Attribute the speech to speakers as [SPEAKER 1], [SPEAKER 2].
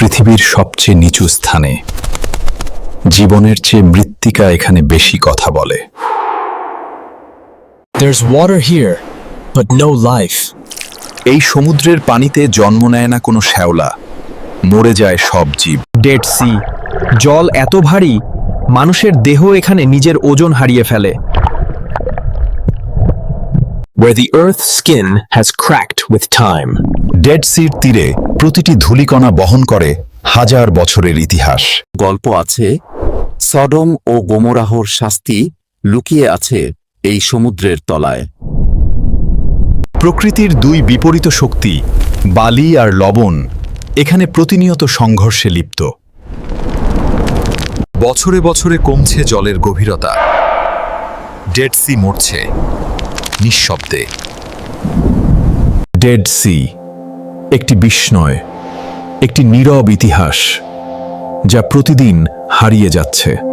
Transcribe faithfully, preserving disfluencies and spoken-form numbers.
[SPEAKER 1] পৃথিবীর সবচেয়ে নিচু স্থানে জীবনের চেয়ে মৃত্তিকা এখানে বেশি কথা বলে।
[SPEAKER 2] There's water here, but no life.
[SPEAKER 1] এই সমুদ্রের পানিতে জন্ম নেয় না কোনো শ্যাওলা, মরে যায় সব জীব।
[SPEAKER 3] ডেড সি, জল এত ভারী মানুষের দেহ এখানে নিজের ওজন হারিয়ে ফেলে।
[SPEAKER 2] Where the earth's skin has cracked with time.
[SPEAKER 1] Dead Sea তীরে প্রতিটি ধূলিকণা বহন করে হাজার বছরের ইতিহাস।
[SPEAKER 4] গল্প আছে, সডম ও গোমরাহর শাস্তি লুকিয়ে আছে এই সমুদ্রের তলায়।
[SPEAKER 1] প্রকৃতির দুই বিপরীত শক্তি, বালি আর লবণ, এখানে প্রতিনিয়ত সংঘর্ষে লিপ্ত। বছরে বছরে কমছে জলের গভীরতা, ডেড সি মরছে নিঃশব্দে। ডেড সি একটি বিস্ময়, একটি নীরব ইতিহাস যা প্রতিদিন হারিয়ে যাচ্ছে।